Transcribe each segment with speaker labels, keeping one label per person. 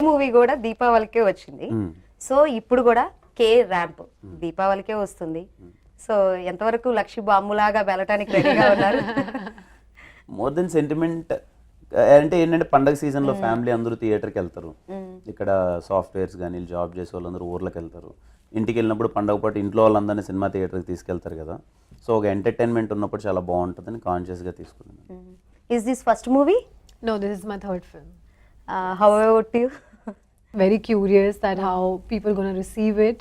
Speaker 1: Movie కూడా దీపావళికే వచ్చింది. So ఇప్పుడు కూడా కే ర్యాంప్ దీపావళికే వస్తుంది. సో ఎంతవరకు లక్షి బాంబులాగా వెళ్ళటానికి రెడీగా ఉన్నారు?
Speaker 2: మోర్ దెన్ సెంటిమెంట్ అంటే ఏంటంటే పండగ సీజన్లో ఫ్యామిలీ అందరూ థియేటర్కి వెళ్తారు. ఇక్కడ సాఫ్ట్వేర్స్ కానీ జాబ్ చేసే వాళ్ళందరూ ఊర్లోకి వెళ్తారు. ఇంటికి వెళ్ళినప్పుడు పండగ పాటు ఇంట్లో వాళ్ళందరినీ సినిమా థియేటర్కి తీసుకెళ్తారు కదా. సో ఒక ఎంటర్టైన్మెంట్ ఉన్నప్పుడు చాలా బాగుంటుందని కాన్షియస్గా తీసుకున్నాను.
Speaker 1: Is this first movie?
Speaker 3: No, this is my third film.
Speaker 1: How about you?
Speaker 3: Very curious that how people going to receive it.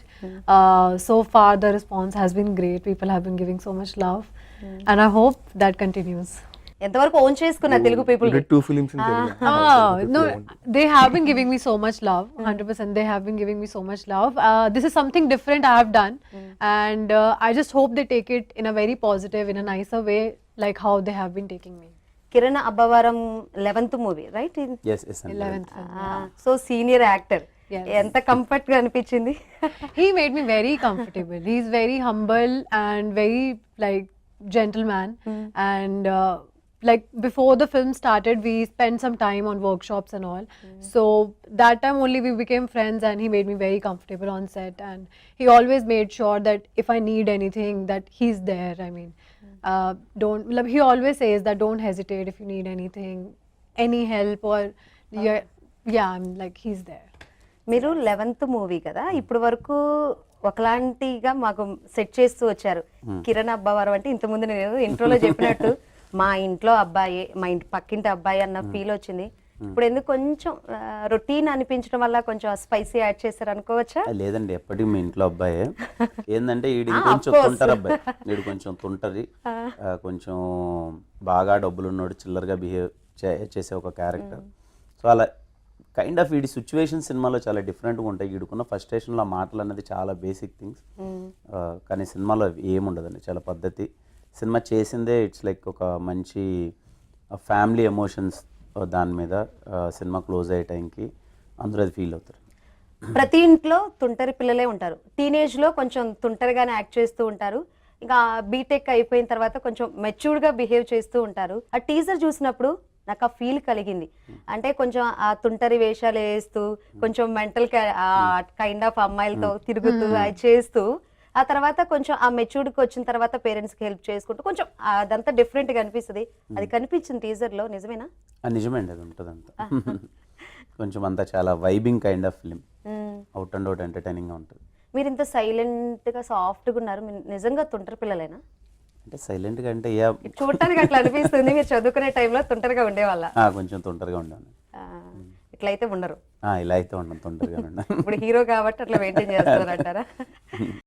Speaker 3: So far the response has been great. People have been giving so much love, and I hope that continues.
Speaker 1: ఎంతవరకు own చేసుకున్న Telugu people?
Speaker 4: You did 2 films in Telugu.
Speaker 3: No, they have been giving me so much love. 100% they have been giving me so much love. This is something different I have done, and I just hope they take it in a very positive, in a nicer way, like how they have been taking me.
Speaker 1: Kiran Abbavaram 11th movie right?
Speaker 2: Yes,
Speaker 3: 11th film.
Speaker 1: So senior actor,
Speaker 3: Yes.
Speaker 1: ఎంత comfort గా అనిపించింది?
Speaker 3: He made me very comfortable. He's very humble and very like gentleman. And like before the film started, we spent some time on workshops and all. So that time only we became friends, and he made me very comfortable on set. And he always made sure that if I need anything, that he's there. I mean, don't. Like, he always says that don't hesitate if you need anything, any help or yeah, I'm like he's there.
Speaker 1: మీరు 11th movie కదా, ఇప్పుడు వరకు ఒకలాంటిగా మాకు set చేస్తూ వచ్చారు. కిరణ్ అబ్బవరం అంటే ఇంతకుముందు నేను ఇంట్రోలో చెప్పినట్టు మా ఇంట్లో అబ్బాయి, మా ఇంటి పక్కింటి అబ్బాయి అన్న ఫీల్ వచ్చింది. ఇప్పుడు ఎందుకు కొంచెం రొటీన్ అనిపించడం వల్ల కొంచెం స్పైసీ యాడ్ చేశారు అనుకోవచ్చా?
Speaker 2: లేదండి, ఎప్పటికీ మీ ఇంట్లో అబ్బాయే. ఏంటంటే ఈడు కొంచెం తుంటారు అబ్బాయి, వీడు కొంచెం తుంటది, కొంచెం బాగా డబ్బులు ఉన్నాడు, చిల్లరగా బిహేవ్ చేసే ఒక క్యారెక్టర్. సో అలా కైండ్ ఆఫ్ వీడి సిచ్యువేషన్ సినిమాలో చాలా డిఫరెంట్గా ఉంటాయి. వీడుకున్న ఫస్ట్రేషన్లో మాటలు అనేది చాలా బేసిక్ థింగ్స్, కానీ సినిమాలో ఏముండదండి, చాలా పద్ధతి. సినిమా చేసిందే ఇట్స్ లైక్ ఒక మంచి ఫ్యామిలీ ఎమోషన్స్ దాని మీద సినిమా క్లోజ్ అయ్యే టైంకి అందరూ అది ఫీల్ అవుతారు.
Speaker 1: ప్రతి ఇంట్లో తుంటరి పిల్లలే ఉంటారు. టీనేజ్ లో కొంచెం తుంటరిగానే యాక్ట్ చేస్తూ ఉంటారు. ఇంకా బీటెక్ అయిపోయిన తర్వాత కొంచెం మెచ్యూర్డ్ గా బిహేవ్ చేస్తూ ఉంటారు. ఆ టీజర్ చూసినప్పుడు నాకు ఆ ఫీల్ కలిగింది. అంటే కొంచెం ఆ తుంటరి వేషాలు వేస్తూ కొంచెం మెంటల్ కైండ్ ఆఫ్ అమ్మాయిలతో తిరుగుతూ అది చేస్తూ ఆ తర్వాత కొంచెం ఆ మెచ్యూర్డ్కి వచ్చిన తర్వాత పేరెంట్స్కి హెల్ప్ చేసుకుంటూ కొంచెం అదంతా డిఫరెంట్గా అనిపిస్తుంది. అది కనిపించింది టీజర్లో, నిజమేనా?
Speaker 2: నిజమే అండి, అది ఉంటుంది అంతా. కొంచెం అంతా చాలా vibing kind of film, out and out ఎంటర్టైనింగ్గా ఉంటుంది.
Speaker 1: మీరు ఇంత సైలెంట్గా సాఫ్ట్గా ఉన్నారు, మీరు నిజంగా తుంటరి పిల్లలేనా?
Speaker 2: అంటే సైలెంట్గా అంటే
Speaker 1: చూడటానికి అట్లా అనిపిస్తుంది. మీరు చదువుకునే టైంలో తుంటరిగా ఉండేవాళ్ళ?
Speaker 2: కొంచెం తుంటరిగా ఉండాను.
Speaker 1: ఇట్లయితే ఉండరు.
Speaker 2: ఇలా అయితే ఉండను, తొందరగా ఉండను.
Speaker 1: ఇప్పుడు హీరో కాబట్టి అట్లా మెయింటైన్ చేస్తారంటారా?